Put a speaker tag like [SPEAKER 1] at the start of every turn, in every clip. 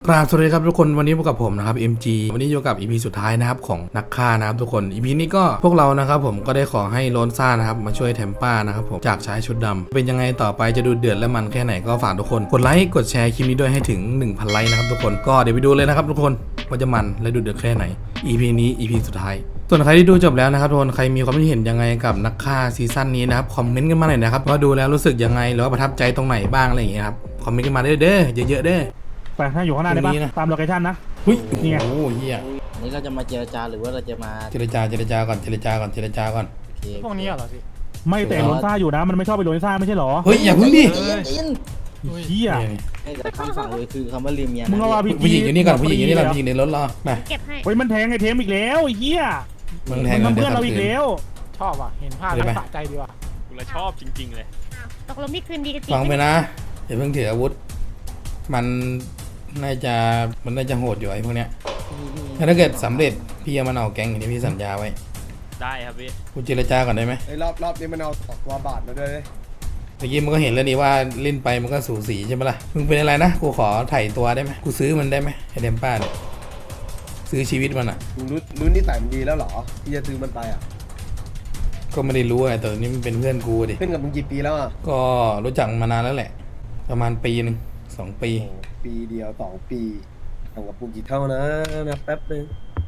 [SPEAKER 1] ครับสวัสดีครับทุกคนวันนี้พบกับผมนะครับ MG วันนี้อยู่กับ EP สุดท้ายนะครับของนักฆ่านะครับทุกคน EP นี้ก็พวกเรานะครับผมก็ได้ขอให้โลนซ่านะครับมาช่วยแทมป้านะครับผมจากชายชุดดำเป็นยังไงต่อไปจะดูเดือดและมันแค่ไหนก็ฝากทุกคนกดไลค์กดแชร์คลิปนี้ด้วยให้ถึง 1,000 ไลค์นะครับทุกคนก็เดี๋ยวไปดูเลยนะครับทุกคนว่าจะมันและดูเดือดแค่ไหน EP นี้ EP สุดท้ายส่วนใครที่ดูจบแล้วนะครับทุกคนใครมีความคิดเห็นยังไงกับนักฆ่าซีซั่นนี้นะครับคอมเมนต์กันมาหน่อยนะครับว่าดูแล้วรู้สึกยังไงหรือว่าประทับใจตรงไหนบ้างอะไรอย่างเงี้ยครับคอมเมนต์กันมาเด้อเยอะๆเด้อ
[SPEAKER 2] ไปถ้าอยู่ข้างหน้าได้ปะตามโลเคชั่นนะ
[SPEAKER 1] หุ้ย
[SPEAKER 2] นี่ไง
[SPEAKER 1] โอ้โหเฮีย
[SPEAKER 3] นี่เราจะมาเจรจาหรือว่าเราจะมา
[SPEAKER 1] เจรจาก่อนเจรจาก่อน
[SPEAKER 3] โอเค
[SPEAKER 4] พวกนี้เหรอพี่
[SPEAKER 2] ไม่แต่โลนซ่าอยู่นะมันไม่ชอบไปโลนซ่าไม่ใช่หรอ
[SPEAKER 1] เฮ้ยอย่าพึ่งดิ
[SPEAKER 3] ยิน
[SPEAKER 2] เฮีย
[SPEAKER 3] ให้แต่คำสั่งเลยคือคำว่าลืมเมีย
[SPEAKER 2] มึงเอาว่าพี่
[SPEAKER 1] ผู้หญิงอยู่นี่ก่อนผู้หญิงอยู่นี่ก่อนผู้หญิงในรถรอไป
[SPEAKER 5] เก็บให้
[SPEAKER 2] เฮ้ยมันแทงไอ้เทมอีกแล้วไอ้เฮีย
[SPEAKER 1] มึงแทง
[SPEAKER 2] มัน
[SPEAKER 1] เดี๋ย
[SPEAKER 2] เพื่อน
[SPEAKER 1] ว
[SPEAKER 2] เราอีกแล้ว
[SPEAKER 4] ชอบอ่ะ เห็นภาพ
[SPEAKER 1] เดี๋ยวไป
[SPEAKER 4] แล้วสะใจดีว่ะ
[SPEAKER 6] กูเลยชอบจริงๆเลย
[SPEAKER 5] อ้าวตกลงนี่คืนดีกันจริง
[SPEAKER 1] ฟังไป
[SPEAKER 5] ไหม
[SPEAKER 1] นะอย่าเพิ่งถืออาวุธมันน่าจะโหดอยู่ไอ้พวกเนี้ยถ้าเกิดสำเร็จพี่จะมันเอาแก๊งอย่างที่พี่สัญญาไว้
[SPEAKER 6] ได้ครับพี่
[SPEAKER 1] กูเจรจาก่อนได้ไหม
[SPEAKER 7] ไอ้รอบนี้มันเอา2 ตัวบาทมาด้วยเลย
[SPEAKER 1] เมื่อกี้มันก็เห็นแล้วนี่ว่าเล่นไปมันก็สูสีใช่ไหมล่ะมึงเป็นอะไรนะกูขอไถ่ตัวได้ไหมกูซื้อมันได้ไหมไอเดมป้าเนี่ยซื้อชีวิตมันอ่ะ
[SPEAKER 7] มึงรู้นิสัยมันดีแล้วเหรอที่จะซื้อมันไปอ่ะ
[SPEAKER 1] ก็ไม่ได้รู้ไงแต่นี่มันเป็นเพื่อนกูดิ
[SPEAKER 7] เพื่อนกับมึงกี่ปีแล้วอ่ะ
[SPEAKER 1] ก็รู้จักมานานแล้วแหละ ประมาณปีหนึ่ง2 ปี
[SPEAKER 7] โอ้ปีเดียว2 ปีต่างกับกูกี่เท่านะแป๊บนึง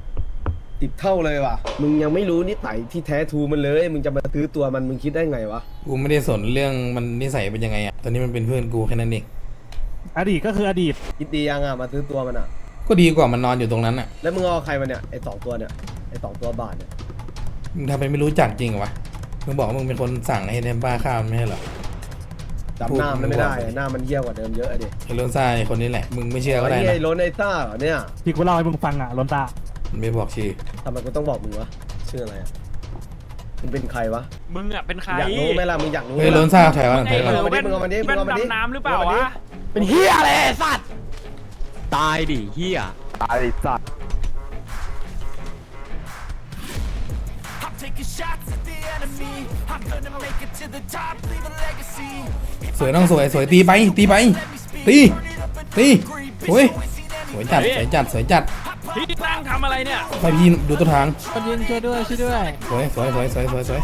[SPEAKER 7] 10 เท่าเลยว่ะมึงยังไม่รู้นิสัยที่แท้ทรูมันเลยมึงจะมาซื้อตัวมันมึงคิดได้ไงวะ
[SPEAKER 1] กูไม่ได้สนเรื่องมันนิสัยเป็นยังไงอ่ะตอนนี้มันเป็นเพื่อนกูแค่นั้นเอง
[SPEAKER 2] อดีตก็คืออดีต
[SPEAKER 7] คิดดียังอ่ะมาซื้อตัวมันอ่ะ
[SPEAKER 1] ก็ดีกว่ามันนอนอยู่ตรงนั้นอ่ะ
[SPEAKER 7] แล้วมึงเอาใครมาเนี่ยไอ้2 ตัวเนี่ยไอ้2 ตัวบาทเนี่ย
[SPEAKER 1] มึงทำไปไม่รู้จักจริงเหรอวะมึงบอกว่ามึงเป็นคนสั่งให้เทมป้าฆ่ามันไม่ใช่เหรอ
[SPEAKER 7] จำหน้ามันไม่ได้หน้ามันเยี่ยวกว่าเดิมเยอะอะดิ
[SPEAKER 1] ไอ้โรนซ่าไอ้คนนี้แหละมึงไม่เชื่อก็ได้
[SPEAKER 7] ไอ้
[SPEAKER 1] นะ
[SPEAKER 7] ไอ้โรนไอ้ซ่าเหรอเนี่ย
[SPEAKER 2] ที่กูเล่าให้มึงฟังอ่ะโลนซ่า
[SPEAKER 1] มันไม่บอกชื่อ
[SPEAKER 7] ทำไมกูต้องบอกมึงวะชื่ออะไรอ่ะมึงเป็นใครวะ
[SPEAKER 6] มึงอ่ะเป็นใคร
[SPEAKER 7] อยากรู้ไหมล่ะมึงอยากรู้ไหม
[SPEAKER 1] เฮ้ยโรนซ่าถอยก่อนถอยก่อน
[SPEAKER 7] มึงเอามาดิมึงเอามาดิ
[SPEAKER 6] แว่นดำน้ำหรือเปล่าวะ
[SPEAKER 4] เป็นเฮียอะไรไอ้สัตว์
[SPEAKER 8] ตายดิเฮีย
[SPEAKER 1] สวยน้องสวยตีไปตีโอ้ยสวยจัด
[SPEAKER 6] พี่นั่งทำอะไรเนี่ย
[SPEAKER 1] ไปพี่ดูต้นทาง
[SPEAKER 4] คนยิงช่วยด้วยช่วยด้วย
[SPEAKER 1] สวย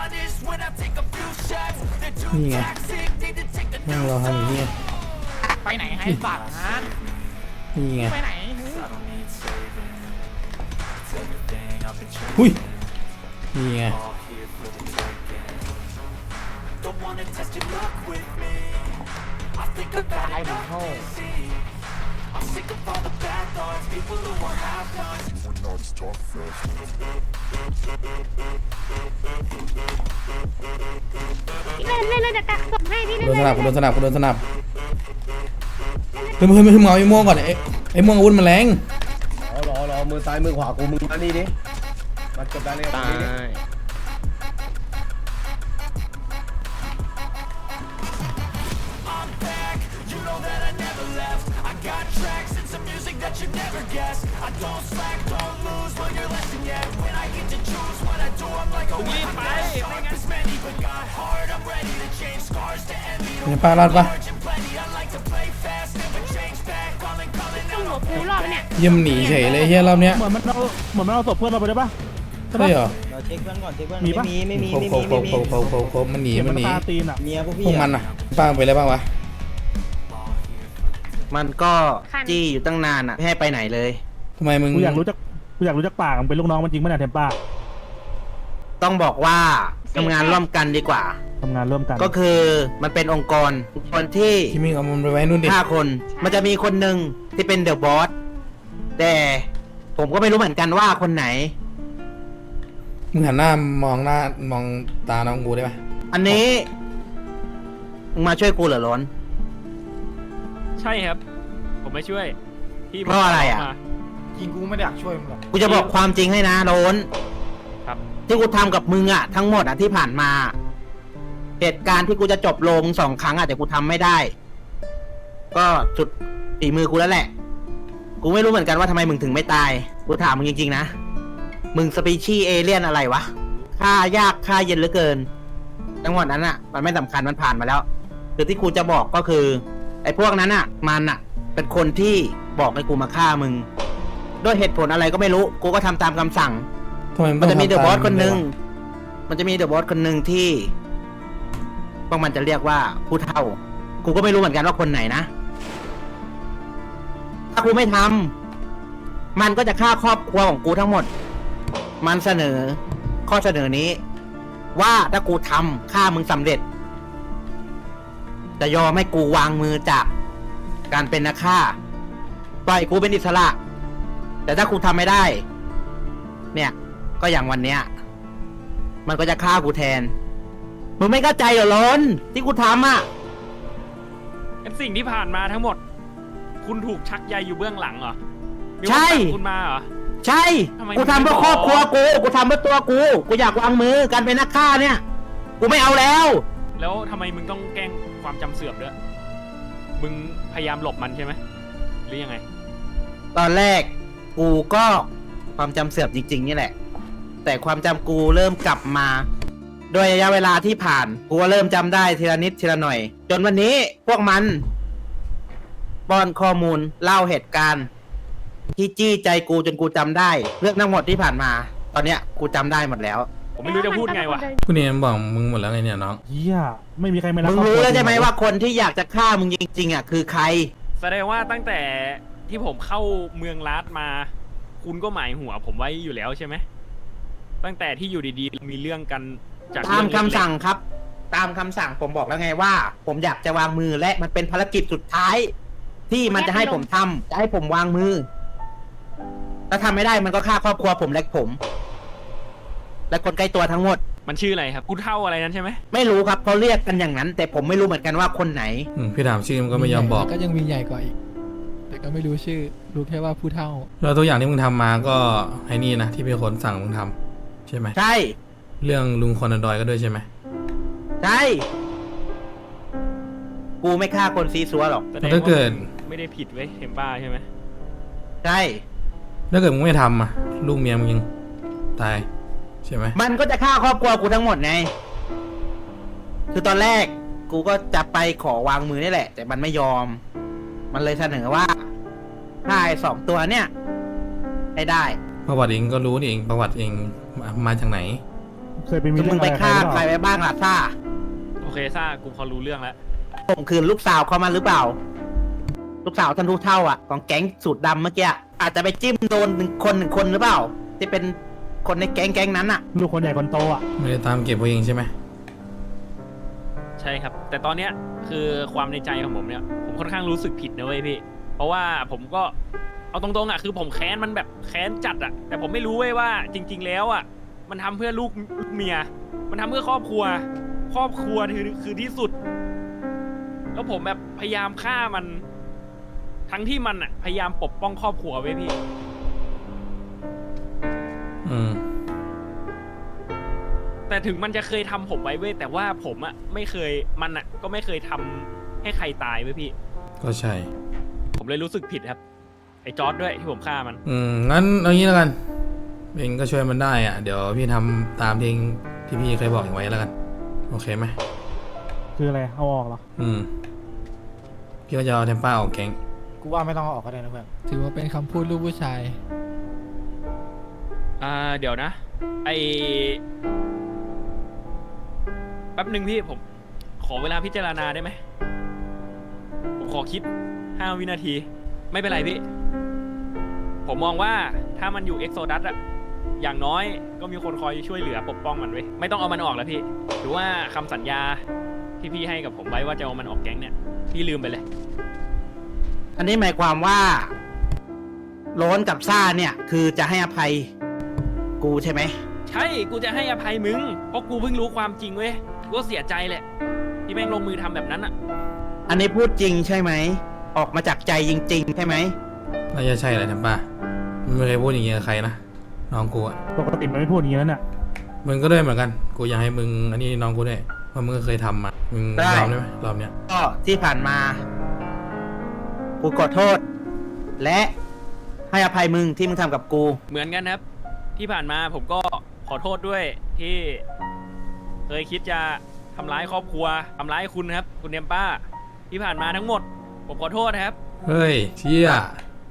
[SPEAKER 1] นี่ไงนั่งรอทำอยู่นี่ไง
[SPEAKER 4] ไปไหนให้สัตว์ฮะ
[SPEAKER 1] นี่ไง
[SPEAKER 4] ไปไหน
[SPEAKER 1] หุ้ยนี่ไง
[SPEAKER 4] ตายหนึ่งโง่
[SPEAKER 5] พี่เล่นจะกักศพให้พี่
[SPEAKER 1] โด
[SPEAKER 5] เล่น
[SPEAKER 1] นสนับเฮ้ยมึงเอาไอ้ม่วงก่อนไอ้ม่วงอาวุธมันแรง
[SPEAKER 7] รอมือซ้ายมือขวากูมึงมานี่ดิมาจบได้เลย
[SPEAKER 8] ตาย
[SPEAKER 6] มึงรีบไปไม่งั้น
[SPEAKER 1] มีป้ารอดปะ
[SPEAKER 5] ต้องหัวปูรอบเนี่ย
[SPEAKER 1] เยี่ยมหนีเฉยเลยเฮียรอบเนี้ย
[SPEAKER 2] เหมือนมันเอาศพเพื่อนเราไปได้ปะ
[SPEAKER 1] ใช่เหรอ
[SPEAKER 3] เราเช็คเพื่อนก่อนเช็คเพื่อน
[SPEAKER 2] มีปะ
[SPEAKER 3] ไม่มี
[SPEAKER 1] โคมันหนี
[SPEAKER 2] เห็น
[SPEAKER 1] มั
[SPEAKER 2] มัน น
[SPEAKER 1] หนี
[SPEAKER 2] คาตีนอ่ะ
[SPEAKER 3] เมียพวก
[SPEAKER 1] พ
[SPEAKER 3] พี่
[SPEAKER 1] วกมันอ่ะป้าไปแล้วบ้างวะ
[SPEAKER 8] มันก็จี้อยู่ตั้งนานอ่ะไม่ให้ไปไหนเลย
[SPEAKER 1] ทำไมมึง
[SPEAKER 2] กูอยากรู้จักปากมันเป็นลูกน้องมันจริงไหมเนี่ยเทมป้า
[SPEAKER 8] ต้องบอกว่าทำงานร่วมกันดีกว่า
[SPEAKER 2] ทำงานร่วมกัน
[SPEAKER 8] ก็คือมันเป็นองค์กรที่
[SPEAKER 1] ที่มึงเอามันไปไว้นู่นดิ
[SPEAKER 8] 5 คน มันจะมีคนหนึ่งที่เป็นเดอะบอสแต่ผมก็ไม่รู้เหมือนกันว่าคนไหน
[SPEAKER 1] มึงหันหน้ามองตาน้องกูได้ปะ
[SPEAKER 8] อันนี้มึงมาช่วยกูเหรอล้น
[SPEAKER 6] ใช่ครับ ผมไม่ช่วยพี่
[SPEAKER 8] เพราะอะไรอะ
[SPEAKER 6] มา
[SPEAKER 4] จริงกูไม่ได้อยากช่วยมึงหรอก
[SPEAKER 8] กูจะบอกความจริงให้นะล้น
[SPEAKER 6] ครับ
[SPEAKER 8] ที่กูทำกับมึงอ่ะทั้งหมดอ่ะที่ผ่านมา เหตุการณ์ที่กูจะจบลง2 ครั้งอ่ะแต่กูทำไม่ได้ ก็สุดฝีมือกูแล้วแหละ กูไม่รู้เหมือนกันว่าทำไมมึงถึงไม่ตาย กูถามมึงจริงๆนะ มึงสปีชีส์เอเลี่ยนอะไรวะฆ่ายากฆ่าเย็นเหลือเกินทั้งหมดนั้นอ่ะ มันไม่สำคัญมันผ่านมาแล้วคือที่กูจะบอกก็คือ ไอ้พวกนั้นอ่ะ มันอ่ะ เป็นคนที่บอกให้กูมาฆ่ามึง ด้วยเหตุผลอะไรก็ไม่รู้ กูก็ทำตามคำสั่ง
[SPEAKER 1] ทำไม
[SPEAKER 8] มันจะมีเดอะบอส
[SPEAKER 1] ต้ง
[SPEAKER 8] คนหนึ่ง
[SPEAKER 1] ทำตาม
[SPEAKER 8] มันจะมีเดอะบอสคนหนึ่งที่พวกมันจะเรียกว่าผู้เฒ่า กูก็ไม่รู้เหมือนกันว่าคนไหนนะ ถ้ากูไม่ทำมันก็จะฆ่าครอบครัวของกูทั้งหมด มันเสนอ ข้อเสนอนี้ ว่าถ้ากูทำฆ่ามึงสำเร็จ จะยอมให้กูวางมือจากการเป็นนักฆ่า ปล่อยกูเป็นอิสระ แต่ถ้ากูทำไม่ได้ เนี่ย ก็อย่างวันเนี้ย มันก็จะฆ่ากูแทน มึงไม่เข้าใจเหรอล้นที่กูทำอ่ะ
[SPEAKER 6] เป็นสิ่งที่ผ่านมาทั้งหมด คุณถูกชักใยอยู่เบื้องหลังเหรอมีคน
[SPEAKER 8] ใช่
[SPEAKER 6] สั่งคุณมาเหรอ
[SPEAKER 8] ใช่
[SPEAKER 6] ทำไม
[SPEAKER 8] กูทำเพื่อ
[SPEAKER 6] ไม่บอก
[SPEAKER 8] ครอบครัวกูทำเพื่อตัวกูอยากวางมือการเป็นนักฆ่าเนี่ย กูไม่เอาแล้ว
[SPEAKER 6] แล้วทำไมมึงต้องแกล้งความจำเสื่อมด้วย มึงพยายามหลบมันใช่ไหมหรือยังไง
[SPEAKER 8] ตอนแรกกูก็ความจำเสื่อมจริง ๆ นี่แหละ แต่ความจำกูเริ่มกลับมาโดยระยะเวลาที่ผ่านกูก็เริ่มจำได้ทีละนิดทีละหน่อย จนวันนี้พวกมันป้อนข้อมูลเล่าเหตุการณ์ ที่จี้ใจกูจนกูจำได้ เรื่องทั้งหมดที่ผ่านมา ตอนเนี้ยกูจำได้หมดแล้ว
[SPEAKER 6] ผมไม่รู้จะพูดไงวะ
[SPEAKER 1] คุณเอ็มบอกมึงหมดแล้วไงเนี่ยน้อง
[SPEAKER 2] เฮียไม่มีใครไม่รัก
[SPEAKER 8] มึง
[SPEAKER 2] คอบค
[SPEAKER 8] รู้
[SPEAKER 2] ว
[SPEAKER 8] แล้วใช่ไหม
[SPEAKER 2] จงๆ
[SPEAKER 8] ว่าคนที่อยากจะฆ่ามึงจริงๆอ่ะคือใคร
[SPEAKER 6] แสดงว่าตั้งแต่ที่ผมเข้าเมืองลาดมา คุณก็หมายหัวผมไว้อยู่แล้วใช่ไหม ตั้งแต่ที่อยู่ดีๆมีเรื่องกันจาก
[SPEAKER 8] ตาม
[SPEAKER 6] เรื่อง
[SPEAKER 8] คำ
[SPEAKER 6] เล็กๆ
[SPEAKER 8] สั่งครับ ตามคำสั่งผมบอกแล้วไงว่า ผมอยากจะวางมือและมันเป็นภารกิจสุดท้าย ที่มันจะให้ผมทำจะให้ผมวางมือถ้าทำไม่ได้มันก็ฆ่าครอบครัวผมและผม และคนใกล้ตัวทั้งหมด
[SPEAKER 6] มันชื่ออะไรครับกูเท่าอะไรนั้นใช่ไหม
[SPEAKER 8] ไม่รู้ครับเขาเรียกกันอย่างนั้น แต่ผมไม่รู้เหมือนกันว่าคนไหน
[SPEAKER 1] พี่ถามชื่อมันก็ไม่ยอมบอก
[SPEAKER 4] ก็ยังมีใหญ่กว่าอีก แต่ก็ไม่รู้ชื่อ รู้แค่ว่าผู้เฒ่า
[SPEAKER 1] แล้วตัวอย่างที่มึงทำมาก็ไอ้นี่นะที่เป็นคนสั่งมึงทำใช่ไหม
[SPEAKER 8] ใช่
[SPEAKER 1] เรื่องลุงคอนดอยก็ด้วยใช่ไหม
[SPEAKER 8] ใช่กูไม่ฆ่าคนซีซัวหรอก
[SPEAKER 6] แสด
[SPEAKER 1] แล้ว
[SPEAKER 6] ง
[SPEAKER 1] ถ้า
[SPEAKER 6] ว่า
[SPEAKER 1] เกิด
[SPEAKER 6] ไม่ได้ผิดเว้ยเทมป้าใช่ไหม
[SPEAKER 8] ใช่
[SPEAKER 1] ถ้าเกิดมึงไม่ทำอ่ะลูกเมียมึงยังตายใช่ไหม
[SPEAKER 8] มันก็จะฆ่าครอบครัวกูทั้งหมดไง คือตอนแรกกูก็จะไปขอวางมือนี่แหละ แต่มันไม่ยอม มันเลยเสนอว่าฆ่าไอ้สองตัวเนี่ยให้ได้
[SPEAKER 1] ประวัติเองก็รู้นี่เองประวัติเองมาจากไหน
[SPEAKER 2] เคยไปมี
[SPEAKER 8] คือ
[SPEAKER 2] เรื่
[SPEAKER 8] มึ
[SPEAKER 2] อง
[SPEAKER 8] ง
[SPEAKER 2] อะไร
[SPEAKER 8] ไป
[SPEAKER 2] กับใคร
[SPEAKER 8] ฆ่า
[SPEAKER 2] หรือ
[SPEAKER 8] ใค
[SPEAKER 2] เป
[SPEAKER 8] ร
[SPEAKER 2] ล่า
[SPEAKER 8] ไว้บ้างล่ะซ่า
[SPEAKER 6] โอเคซ่ากูพอรู้เรื่องแล้ว
[SPEAKER 8] ผมคืนลูกสาวเขามาหรือเปล่า ลูกสาวท่านรู้เท่าอ่ะของแก๊งสูตรดำเมื่อกี้อาจจะไปจิ้มโดนหนึ่งคนหรือเปล่า ที่เป็นคนในแก๊งนั้นอ่ะ
[SPEAKER 2] ลูกคนใหญ่คนโตอ่ะ
[SPEAKER 1] ไม่ได้ตามเก็บไว้เองใช่ไหม
[SPEAKER 6] ใช่ครับ แต่ตอนเนี้ยคือความในใจของผมเนี่ย ผมค่อนข้างรู้สึกผิดนะเว้ยพี่ เพราะว่าผมก็เอาตรงๆอ่ะคือผมแค้นมันแบบแค้นจัดอ่ะ แต่ผมไม่รู้เว้ยว่าจริง ๆ แล้วอ่ะมันทำเพื่อลูกเมีย มันทำเพื่อครอบครัว ครอบครัวคือที่สุด แล้วผมแบบพยายามฆ่ามัน ทั้งที่มันอ่ะพยายามปกป้องครอบครัวเว้ยพี่ แต่ถึงมันจะเคยทำผมไว้เว้ยแต่ว่าผมอะไม่เคยมันอะก็ไม่เคยทำให้ใครตายเว้ยพี่
[SPEAKER 1] ก็ใช่
[SPEAKER 6] ผมเลยรู้สึกผิดครับ ไอ้จอร์ดด้วยที่ผมฆ่ามัน
[SPEAKER 1] งั้นเอางี้แล้วกันเองก็ช่วยมันได้อ่ะเดี๋ยวพี่ทำตามที่พี่เคยบอกเองไว้แล้วกันโอเคไหม
[SPEAKER 2] คืออะไรเอาออกเหรอ
[SPEAKER 1] พี่ก็จะเอาเทมป้าออกแก๊ง
[SPEAKER 4] กูว่าไม่ต้องเอาออกก็ได้นะเพื่อน ถือว่าเป็นคำพูดลูกผู้ชาย
[SPEAKER 6] เดี๋ยวนะไอแป๊บหนึ่งพี่ผมขอเวลาพิจารณาได้ไหมผมขอคิด5 วินาที ไม่เป็นไรพี่ ผมมองว่าถ้ามันอยู่เอ็กโซดัสอะอย่างน้อยก็มีคนคอยช่วยเหลือปกป้องมันไว้ยไม่ต้องเอามันออกแล้วพี่หรือว่าคำสัญญาที่พี่ให้กับผมไว้ว่าจะเอามันออกแก๊งเนี่ยพี่ลืมไปเลย
[SPEAKER 8] อันนี้หมายความว่าโล้นกับซ่าเนี่ยคือจะให้อภัยกูใช่ไหม
[SPEAKER 6] ใช่กูจะให้อภัยมึงเพราะกูเพิ่งรู้ความจริงเว้ยกูก็เสียใจแหละที่แม่งลงมือทำแบบนั้นอะ
[SPEAKER 8] อันนี้พูดจริงใช่ไหม ออกมาจากใจจริงๆใช่ไหม
[SPEAKER 1] น่าจะใช่แหละเทมป้ามันไม่เคยพูดอย่างเงี้ยกับใครนะน้องกูอ่ะ
[SPEAKER 2] ปกติมันไม่พูดอย่างนี้แล้วน่ะ
[SPEAKER 1] มึงก็ด้วยเหมือนกันกูอยากให้มึงอันนี้น้องกูด้วยเพราะมึงก็เคยทำมามึงยอมได้ไหมรอบเนี้ย
[SPEAKER 8] ก็ที่ผ่านมากูขอโทษ และให้อภัยมึงที่มึงทำกับกู
[SPEAKER 6] เหมือนกันครับ ที่ผ่านมาผมก็ขอโทษด้วยที่เคยคิดจะทำร้ายครอบครัวทำร้ายคุณครับ คุณเนมป้าที่ผ่านมาทั้งหมด ผมขอโทษนะครับ
[SPEAKER 1] เฮ้ยเชี่ย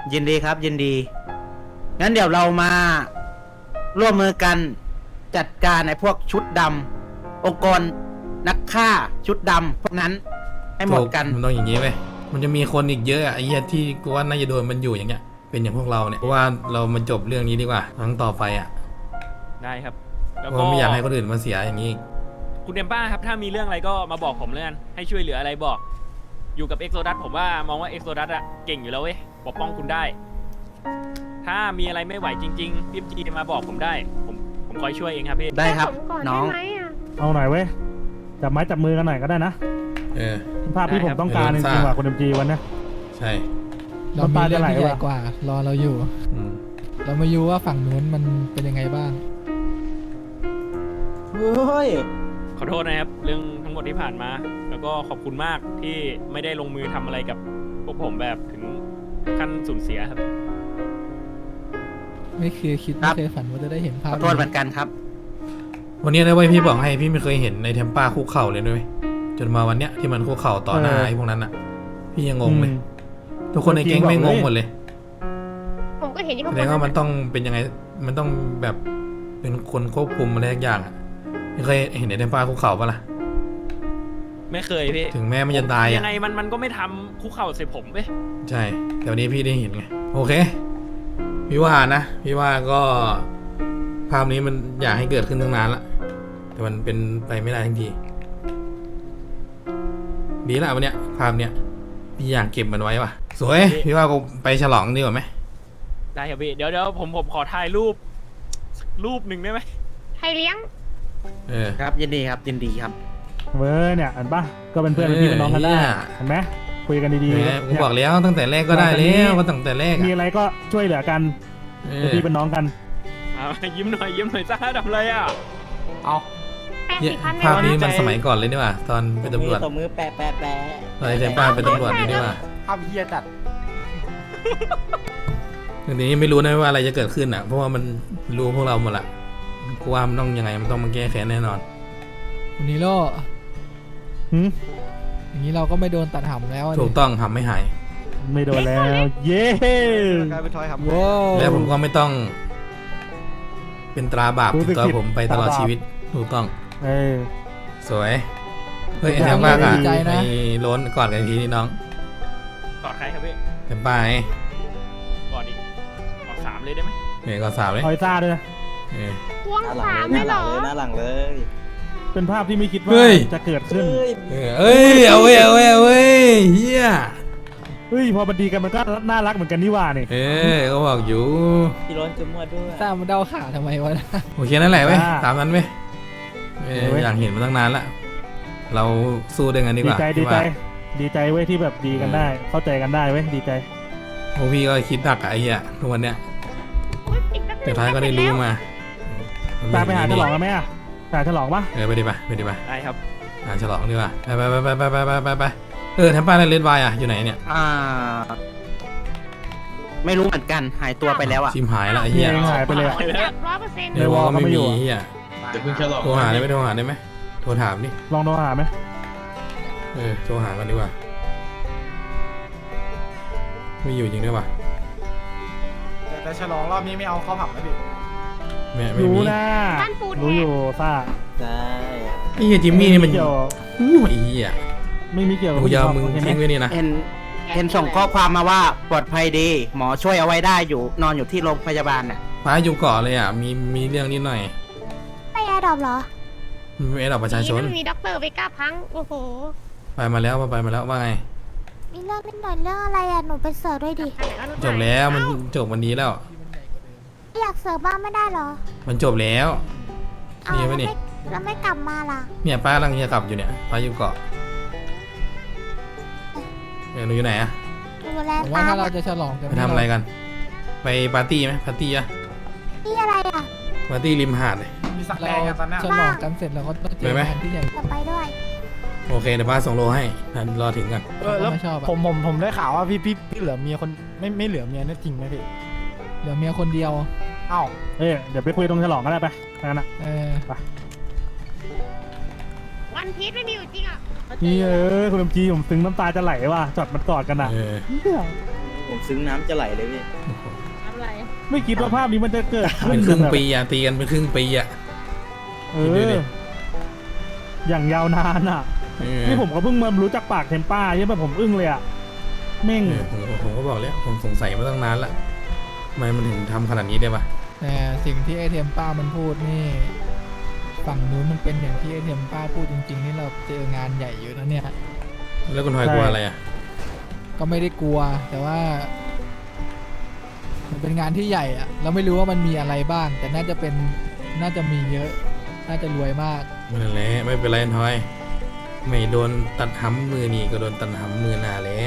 [SPEAKER 8] ยินดีครับ ยินดี งั้นเดี๋ยวเรามาร่วมมือกันจัดการไอ้พวกชุดดำองค์กรนักฆ่าชุดดำพวกนั้นให้หมดกัน
[SPEAKER 1] มันต้องอย่างนี้ไปมันจะมีคนอีกเยอะอะไอ้เหี้ยที่กูว่าน่าจะโดนมันอยู่อย่างเงี้ยเป็นอย่างพวกเราเนี่ยเพราะว่าเรามาจบเรื่องนี้ดีกว่าครั้งต่อไปอ่ะ
[SPEAKER 6] ได้ครับ
[SPEAKER 1] เพ
[SPEAKER 6] แล้ว
[SPEAKER 1] ราะ
[SPEAKER 6] ก็
[SPEAKER 1] ว่าไม่อยากให้คนอื่นมาเสียอย่างนี้อีก
[SPEAKER 6] คุณเดมป้าครับถ้ามีเรื่องอะไรก็มาบอกผมเลยกันให้ช่วยเหลืออะไรบอก อยู่กับเอ็กโซดัสผมว่ามองว่าเอ็กโซดัสอะเก่งอยู่แล้วเว้ยปกป้องคุณได้ ถ้ามีอะไรไม่ไหวจริงๆพี่จีมาบอกผมได้ ผมคอยช่วยเองครับพี่
[SPEAKER 8] ได้ครับ
[SPEAKER 5] ผมก่อน
[SPEAKER 8] น้อง
[SPEAKER 5] ได้ไหมอะ
[SPEAKER 2] เอาหน่อยเว้ยจับไม้จับมือกันหน่อยก็ได้นะ
[SPEAKER 1] เออ
[SPEAKER 2] ภาพที่ผมต้องการจริงๆว่ะคุณเอ็มจีวันเนี้ย
[SPEAKER 1] ใช่
[SPEAKER 4] เรามีเรื่องที่ใหญ่
[SPEAKER 2] น้ำตาจะไหลว่ะ
[SPEAKER 4] กว่ารอเราอยู่
[SPEAKER 1] อืม
[SPEAKER 4] เรามาดูว่าฝั่งนู้นมันเป็นยังไงบ้าง
[SPEAKER 3] เฮ้ย
[SPEAKER 6] ขอโทษนะครับ เรื่องทั้งหมดที่ผ่านมา แล้วก็ขอบคุณมากที่ไม่ได้ลงมือทำอะไรกับพวกผมแบบถึงขั้นสูญเสียครับ
[SPEAKER 4] ไม่เคยคิด
[SPEAKER 8] ครั
[SPEAKER 4] ไม่
[SPEAKER 8] บ
[SPEAKER 4] เคยฝันว่าจะได้เห็นภา
[SPEAKER 8] ข
[SPEAKER 4] พ
[SPEAKER 8] อโทษเหมือนกันครับ
[SPEAKER 1] วันนี้นะเว้ยพี่บอกให้พี่ไม่เคยเห็นในเทมป้าคุกเข่าเลยด้วยจนมาวันเนี้ยที่มันคุกเข่าต่อหน้าไอ้พวกนั้นอ่ะ พี่ยังงงเลย ทุกคนในแก๊งไม่งงหมดเลย
[SPEAKER 5] ผมก็เห็นที่
[SPEAKER 1] แส
[SPEAKER 5] เขา
[SPEAKER 1] ดงว่ามันต้องเป็นยังไงมันต้องแบบเป็นคนควบคุมอะไรสักอย่างอ่ะไม่เคยเห็นในเทมป้าคุกเข่าปะล่ะ
[SPEAKER 6] ไม่เคยพี่
[SPEAKER 1] ถึงแม้มันจะตาย
[SPEAKER 6] ยั
[SPEAKER 1] อ่ะ
[SPEAKER 6] งไงมันก็ไม่ทำคุกเข่าใส่ผมเว้ย
[SPEAKER 1] ใช่ แต่วันนี้พี่ได้เห็นไง โอเค พี่ว่านะ พี่ว่าก็ภาพนี้มันอยากให้เกิดขึ้นตั้งนานละ แต่มันเป็นไปไม่ได้ทั้งที ดีละวันเนี้ยภาพเนี้ยพี่อยากเก็บมันไว้ว่ะ สวย พี่ว่ากูไปฉลองดีกว่าไหม
[SPEAKER 6] ได้ครับพี่เดี๋ยวผมขอถ่ายรูปสักรูปหนึ่งได้ไหม
[SPEAKER 5] ใครเลี้ยง
[SPEAKER 1] เออ
[SPEAKER 8] ครับ ยินดีครับ ยินดีครับ
[SPEAKER 2] เว้ยเนี่ยเห็นปะก็เป็นเพื่อนเป็นพี่เป็นน้องกันได้
[SPEAKER 1] เออ
[SPEAKER 2] เห็นไหมคุยกันดี
[SPEAKER 1] แหม
[SPEAKER 2] ๆ
[SPEAKER 1] กู
[SPEAKER 2] เนี่ย
[SPEAKER 1] บอกแล้วตั้งแต่แรกก็ได้แล้วก็ตั้งแต่แรก
[SPEAKER 2] มี
[SPEAKER 1] อ่ะ
[SPEAKER 2] อะไรก็ช่วยเหลือกัน
[SPEAKER 1] เอ
[SPEAKER 2] เป็น
[SPEAKER 1] อ
[SPEAKER 2] พี่เป็นน้องกัน
[SPEAKER 6] เอายิ้มหน่อยจ้าทำอะไรอ่ะ
[SPEAKER 8] เอา
[SPEAKER 1] เนี่ย
[SPEAKER 5] 80,000
[SPEAKER 1] ภาพนี้
[SPEAKER 5] ไม่
[SPEAKER 1] มัน
[SPEAKER 5] ได้
[SPEAKER 1] สมัยก่อนเลยนี่หว่าตอนเป็นตำรวจ
[SPEAKER 3] ตบมือแปะแปะแปะ
[SPEAKER 1] ตอนไอ้เทมป้าเป็นตำรวจนี่หว่า
[SPEAKER 8] ภาพเฮียจัด
[SPEAKER 1] ทีนี้ไม่รู้นะว่าอะไรจะเกิดขึ้นอ่ะ เพราะว่ามันรู้พวกเราหมดละกูว่ามันต้องยังไงมันต้องมาแก้แค้นแน่นอน
[SPEAKER 4] วันนี้โล
[SPEAKER 2] หืม
[SPEAKER 4] อย่างนี้เราก็ไม่โดนตัดหำแล้วอะดิ
[SPEAKER 1] ถูกต้องทำไม่หาย
[SPEAKER 2] ไม่โดนแล้ว เย้
[SPEAKER 4] ว้าว
[SPEAKER 1] และผมก็ไม่ต้อง เป็นตราบาปติดตัวผมไปตลอดชีวิต ถูกต้อง
[SPEAKER 2] เออ
[SPEAKER 1] สวย เฮ้ยไอ้แทมป้ากับไอ้โล้นกอดกันอีกทีนี่น้อง
[SPEAKER 6] กอดใครครับพี่
[SPEAKER 1] แทมป้าไอ้
[SPEAKER 6] กอดอีกกอด3เลยได้ไหม
[SPEAKER 1] เฮ้ยกอดสาวเลย
[SPEAKER 2] ออยซ่าด้วยนะ
[SPEAKER 1] เออ
[SPEAKER 5] ควง
[SPEAKER 3] หน้าหลั
[SPEAKER 5] สาม
[SPEAKER 3] ง
[SPEAKER 5] เล
[SPEAKER 3] เลย ย
[SPEAKER 5] เหรอ
[SPEAKER 3] หน้าหลังเลย
[SPEAKER 2] เป็นภาพที่ไม่คิดว่า
[SPEAKER 1] เฮ้ย
[SPEAKER 2] จะเกิดขึ้น
[SPEAKER 3] เฮ้ย
[SPEAKER 1] เอ้ยเอาเว้ยเอาเว้ยเอาเว้ยเฮีย
[SPEAKER 2] เฮ้ยพอมันดีกันมันก็น่ารักเหมือนกันนี่หว่านี่
[SPEAKER 1] เออก็บอกอยู่
[SPEAKER 3] พี่ร้อนจุ๊มวดด้วย
[SPEAKER 4] ตามมันเดาขาทำไมวะนะ
[SPEAKER 1] โอเคนั่นแหละเว้ย
[SPEAKER 2] อ่า
[SPEAKER 1] ตามนั้นเว้ยเออ
[SPEAKER 2] เว้ย
[SPEAKER 1] อยากเห็นมาตั้งนานละเราสู้ด้วยกันดีก
[SPEAKER 2] ดี
[SPEAKER 1] ว่า
[SPEAKER 2] ใจดี
[SPEAKER 1] พี่
[SPEAKER 2] ใจ
[SPEAKER 1] ว่า
[SPEAKER 2] ดีใจเว้ยที่แบบดีกันได้ เข้าใจกันได้เว้ยดีใจ
[SPEAKER 1] พวกพี่ก็คิดดักอะไอ้เหี้ยทุกวันเนี้ย
[SPEAKER 5] อุ๊ยอีกแป๊บนึง
[SPEAKER 1] สุดท้ายก็ได้รู้มา
[SPEAKER 2] ตามไปหาฉลองกันไหมอ่ะหาฉลองปะ
[SPEAKER 1] เออไปดิปะไปดิปะ
[SPEAKER 6] ได้ครับ
[SPEAKER 1] หาฉลองดีกว่าไปเออแทมป้าเลนวายอะอยู่ไหนเนี่ย
[SPEAKER 8] ไม่รู้เหมือนกัน หายตัวไปแล้วอ่ะ
[SPEAKER 1] ชิมหายละไอ้
[SPEAKER 2] เฮี
[SPEAKER 1] เหี้
[SPEAKER 2] ย
[SPEAKER 1] ย
[SPEAKER 2] ยังหายไปเลยอะ
[SPEAKER 5] จับ100%
[SPEAKER 1] ในวอลก็ไม่มีเหี้ย
[SPEAKER 9] เดี๋ยวเพิ่งฉลอง
[SPEAKER 1] โทรหาได้ไหมโทรหาได้ไหมโทรถามดิ
[SPEAKER 2] ลองโทรหาไหม
[SPEAKER 1] เออโทรหากันดีกว่าไม่อยู่จริงด้วยวะ
[SPEAKER 9] แต่ฉลองรอบนี้ไม่เอาเข้าผับนะพี่
[SPEAKER 1] ไม่
[SPEAKER 2] รู้
[SPEAKER 1] มี
[SPEAKER 2] นะ
[SPEAKER 5] บ้านปูน
[SPEAKER 2] รู้อยู่ซ่า
[SPEAKER 3] ใช่
[SPEAKER 1] ไอ้เหี้ยจิมมี่นี่มัน
[SPEAKER 2] ไเกี่ยว
[SPEAKER 1] อู้ไอ้เหี้ย
[SPEAKER 2] ไม่มีเกี่ยวกับ
[SPEAKER 1] กูยาวมึง
[SPEAKER 2] ใช่ไหม
[SPEAKER 1] ทิ้งไว้นี่นะ
[SPEAKER 8] เห็นส่งข้อความมาว่าปลอดภัยดี หมอช่วยเอาไว้ได้อยู่ นอนอยู่ที่โรงพยาบาลน่ะ
[SPEAKER 1] ฟ้าอยู่เกาะเลยอ่ะมีเรื่องนิดหน่อย
[SPEAKER 10] ไปแอร์ดรอปเหรอ
[SPEAKER 1] มันเป็นระดับประชาชน
[SPEAKER 5] มีด็อกเตอร์ไปกล้าพัง โอ้โห
[SPEAKER 1] ไปมาแล้วว่าไง
[SPEAKER 10] มีเรื่องนิดหน่อยเรื่องอะไรอ่ะ หนูไปเสิร์ฟด้วยดิ
[SPEAKER 1] จบแล้วมันจบวันนี้แล้ว
[SPEAKER 10] อยากเสิร์ฟบ้างไม่ได้เหรอ
[SPEAKER 1] มันจบแล้ว
[SPEAKER 10] เอา
[SPEAKER 1] นี่
[SPEAKER 10] แล้ว
[SPEAKER 1] ไหม
[SPEAKER 10] ไม่
[SPEAKER 1] นี่
[SPEAKER 10] แล้วไม่กลับมาล่ะ
[SPEAKER 1] เนี่ยป้ากำลังจะกลับอยู่เนี่ยป้าอยู่เกาะหนูอยู่ไหนอะ
[SPEAKER 10] ดูแล
[SPEAKER 4] ผม
[SPEAKER 10] ตา
[SPEAKER 4] ว่าถ้าเราจะฉลองกัน
[SPEAKER 1] ไปทำอะไรกัน ไปปาร์ตี้ไหมปาร์ตี้อะ
[SPEAKER 10] ที่อะไรอ่ะ
[SPEAKER 1] ปาร์ตี้ริมหาดเลย
[SPEAKER 9] มีสัก
[SPEAKER 4] เรา
[SPEAKER 9] แดงกันตอนนี้
[SPEAKER 4] ฉลองกันเสร็จเราก็ต้องเจ
[SPEAKER 1] ไป
[SPEAKER 4] อ
[SPEAKER 1] ไหม
[SPEAKER 4] กันที่ใหญ่
[SPEAKER 10] จะไปด้วย
[SPEAKER 1] โอเคเดี๋ยวป้าส่งโลให้รอถึงกัน
[SPEAKER 4] เราไม่ชอบอะ
[SPEAKER 9] ผมได้ข่าวว่าพี่เหลือเมียคนไม่เหลือเมียนี่จริงไหมพี่
[SPEAKER 4] เหลือเมียคนเดียว
[SPEAKER 9] อ้าว
[SPEAKER 2] เอ้ยเดี๋ยวไปคุยตรงฉลองก็ได้ไปงั้นอ่ะ
[SPEAKER 4] เออ
[SPEAKER 5] วันพีชไม่มีอยู่จริงอ่ะ
[SPEAKER 2] นี่คุณลำจีผมซึ้งน้ำตาจะไหลว่ะจอดมันกอดกันอ่ะ
[SPEAKER 1] เออ
[SPEAKER 2] เหี้ย
[SPEAKER 3] ผมซึ้งน้ำจะไหลเลยพี่
[SPEAKER 5] อะไร
[SPEAKER 2] ไม่คิดว่าภาพนี้มันจะเกิด
[SPEAKER 1] เป็นครึ่ง
[SPEAKER 2] แบบ
[SPEAKER 1] ปีอะตีกันเป็นครึ่งปีอะ
[SPEAKER 2] เอ
[SPEAKER 1] คิดดูดิ
[SPEAKER 2] ออย่างยาวนานอ่ะ
[SPEAKER 1] เออ
[SPEAKER 2] นี่ผมก็เพิ่งมารู้จักปากเทมป้าใช่ป่ะผมอึ้งเลยอ่ะเม่ง
[SPEAKER 1] ผมก็บอกแล้วผมสงสัยมาตั้งนานละทำไมมันถึงทำขนาดนี้ได้ปะ
[SPEAKER 4] แต่สิ่งที่ไอเทมป้ามันพูดนี่ฝั่งนู้นมันเป็นอย่างที่ไอเทมป้าพูดจริงๆนี่เราเจองานใหญ่อยู่นะเนี่ย
[SPEAKER 1] แล้วคุณทอยกลัวอะไรอะ
[SPEAKER 4] ก็ไม่ได้กลัว แต่ว่า มันเป็นงานที่ใหญ่อะเราไม่รู้ว่ามันมีอะไรบ้าง แต่น่าจะมีเยอะ น่าจะรวยมาก
[SPEAKER 1] นั่นแหละไม่เป็นไรทอย ไม่โดนตัดห้ำมือนี่ก็โดนตัดห้ำมือหน้าแล้ว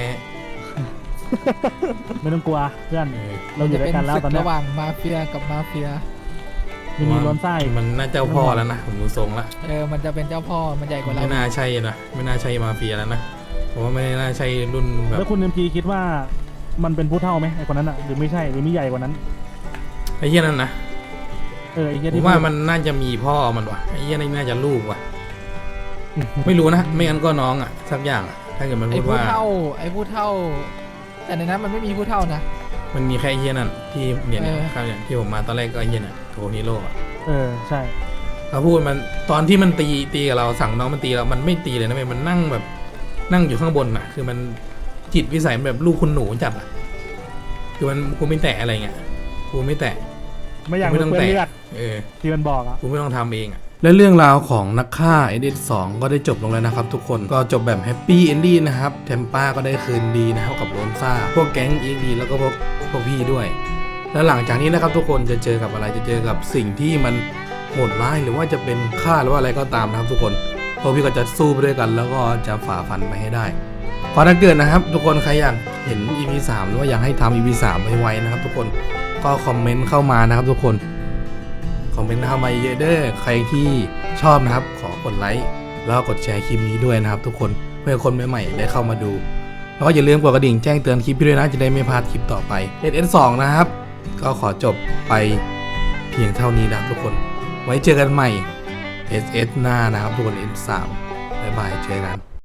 [SPEAKER 2] ไม่ต้องกลัวเพื่อน
[SPEAKER 1] เออ
[SPEAKER 2] เราอยู่ด้วยกันแล้ว
[SPEAKER 4] จะ
[SPEAKER 2] ตอน
[SPEAKER 4] เป็นศึก
[SPEAKER 2] เนี้ย
[SPEAKER 4] ระหว่างมาเฟียกับมาเฟีย
[SPEAKER 2] มีล้นไส้
[SPEAKER 1] มันน่าเจ้าพ่อแล้วนะผมดูทรงละ
[SPEAKER 4] มันจะเป็นเจ้าพ่อมันใหญ่กว่าเรา
[SPEAKER 1] ไม่น่าใช่นะไม่น่าใช่มาเฟียแล้วนะผมว่าไม่น่าใช่รุ่นแบบ
[SPEAKER 2] แล้วคุณเอ็มพีคิดว่ามันเป็นผู้เท่าไหมไอคนนั้นอ่ะหรือไม่ใช่หรือมีใหญ่กว่านั้น
[SPEAKER 1] ไอ้เหี้ยนั่นนะ
[SPEAKER 2] ไอเหี้ย
[SPEAKER 1] ผ
[SPEAKER 2] ที่
[SPEAKER 1] มว่ามันน่าจะมีพ่อมันว่ะไอ้เหี้ยนี่น่าจะลูกว่ะ ไม่รู้นะไม่งั้นก็น้องอ่ะสักอย่างอะถ้าเกิดมัน
[SPEAKER 4] ไอ้
[SPEAKER 1] พูด
[SPEAKER 4] ผู้
[SPEAKER 1] ว่า
[SPEAKER 4] เท่า แต่ในนั้นมันไม่มีผู้เท่านะ
[SPEAKER 1] มันมีแค่ไอ้เหี้ยนั่นที่เนี่ย
[SPEAKER 4] เออ
[SPEAKER 1] ครับเนี่ยที่ผมมาตอนแรกก็ไอ้เหี้ยน่ะโทนิโร่อะ
[SPEAKER 2] ใช่
[SPEAKER 1] เขาพูดมันตอนที่มันตีกับเราสั่งน้องมันตีเรามันไม่ตีเลยนะเว้ยมันนั่งแบบนั่งอยู่ข้างบนอ่ะ คือมันจิตวิสัยมันแบบลูกคุณหนูจัดอ่ะคือมันกูไม่แตะอะไรเงี้ยกูไม่แตะ
[SPEAKER 2] ไม่อยาก
[SPEAKER 1] ไม่
[SPEAKER 2] รู้
[SPEAKER 1] ต้อง
[SPEAKER 2] เปื้อน
[SPEAKER 1] แตะ
[SPEAKER 2] เลือด
[SPEAKER 1] เออ
[SPEAKER 2] ที่มันบอกอ่ะ
[SPEAKER 1] กูไม่ต้องทำเองอ่ะและเรื่องราวของนักฆ่า S2 ก็ได้จบลงแล้วนะครับทุกคนก็จบแบบแฮปปี้เอนดี้นะครับเทมป้าก็ได้คืนดีนะครับกับโรนซ่าพวกแก๊ง EXD แล้วก็พวกพี่ด้วย แล้วหลังจากนี้นะครับทุกคนจะเจอกับอะไรจะเจอกับสิ่งที่มันโหดร้ายหรือว่าจะเป็นฆ่าหรือว่าอะไรก็ตามนะครับทุกคนพวกพี่ก็จะสู้ไปด้วยกัน แล้วก็จะฝ่าฟันไปให้ได้พอถ้าเกิดนะครับทุกคนใครอยากเห็น EP 3 หรือว่าอยากให้ทำ EP 3ไวๆนะครับทุกคนก็คอมเมนต์เข้ามานะครับทุกคนคอมเมนต์เข้ามาเยอะเด้อใครที่ชอบนะครับขอกดไลค์แล้วก็กดแชร์คลิปนี้ด้วยนะครับทุกคนเพื่อคนใหม่ๆได้เข้ามาดูแล้วก็อย่าลืมกดกระดิ่งแจ้งเตือนคลิปพี่ด้วยนะจะได้ไม่พลาดคลิปต่อไป S2 นะครับก็ขอจบไปเพียงเท่านี้นะครับทุกคนไว้เจอกันใหม่ SS หน้านะครับทุกคน S3 บ๊ายบายเจอกัน